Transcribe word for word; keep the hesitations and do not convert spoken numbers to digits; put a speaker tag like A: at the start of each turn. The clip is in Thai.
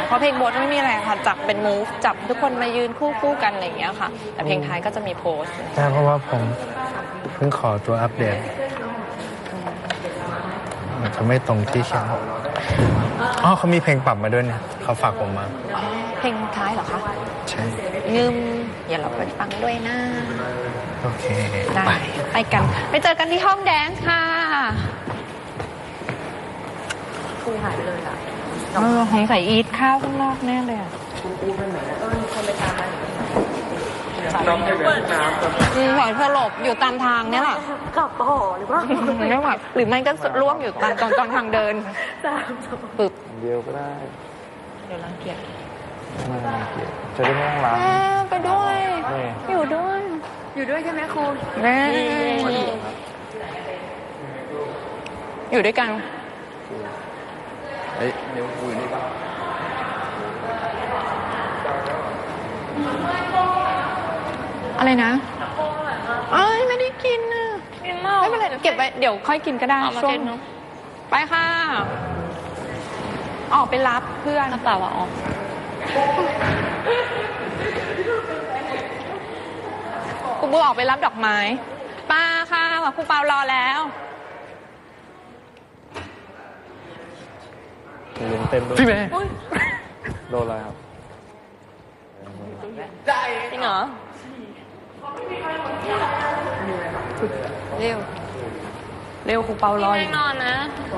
A: เพราะเพลงโบสไม่มีอะไรค่ะจับเป็นมูฟจับทุกคนมายืนคู่คู่กันอะไรอย่างเงี้ยค่ะแต่เพลงท้ายก็จะมีโพส
B: ใช่เพราะว่าผมเพิ่งขอตัวอัปเดตมันจะไม่ตรงที่เขียนอ๋อเขามีเพลงปรับมาด้วยเนี่ยเขาฝากผมมา
A: เพลงท้ายเหรอคะ
B: ใช่
A: งืมอย่าเราไปฟังด้วยนะ
B: โอเค
A: ไปไปกันไปเจอกันที่ห้องแดนซ์ค่ะ
C: ครูหายไปเลยอ่ะ
A: เออของใส่อีทข้าวข้างนอกแน่เลยอ่ะ
C: น้องเปิดน้ำ
A: อืมหอยสลบอยู่ตามทางเนี่ยแหละ
C: กลับต่อหรือว่า
A: ไม่ไหวหรือไม่ก็ร่วงอยู่ตามตอนตอนทางเดินปึบ
D: เดียวก็ได้
A: เดี๋ยวรังเกียจ
D: ไม่รังเกียจจะได้ไม่ต้องล้าง
A: ไปด้วยอยู่ด้วย
C: อยู่ด้วยใช่ไหมครู
A: แม่อยู่ด้วยกัน
D: เฮ้ยเดี๋ยวคุยนี่ป่ะ
A: อะไรนะเอ้ยไม่ได้กินนะไม่เป็นไรเก็บไว้เดี๋ยวค่อยกินก็ได้ช่วงไปค่ะออกไปรับเพื่อนเปล่าว่าออกครูบูออกไปรับดอกไม้ป้าค่ะครูเปารอแล้ว
D: เลี้ยงเต็มด้วย
B: พี่เมย์
D: โดนอะไรครับ
A: จริงเหรอเร็วเร็วครูเปารออยู่นอนนะ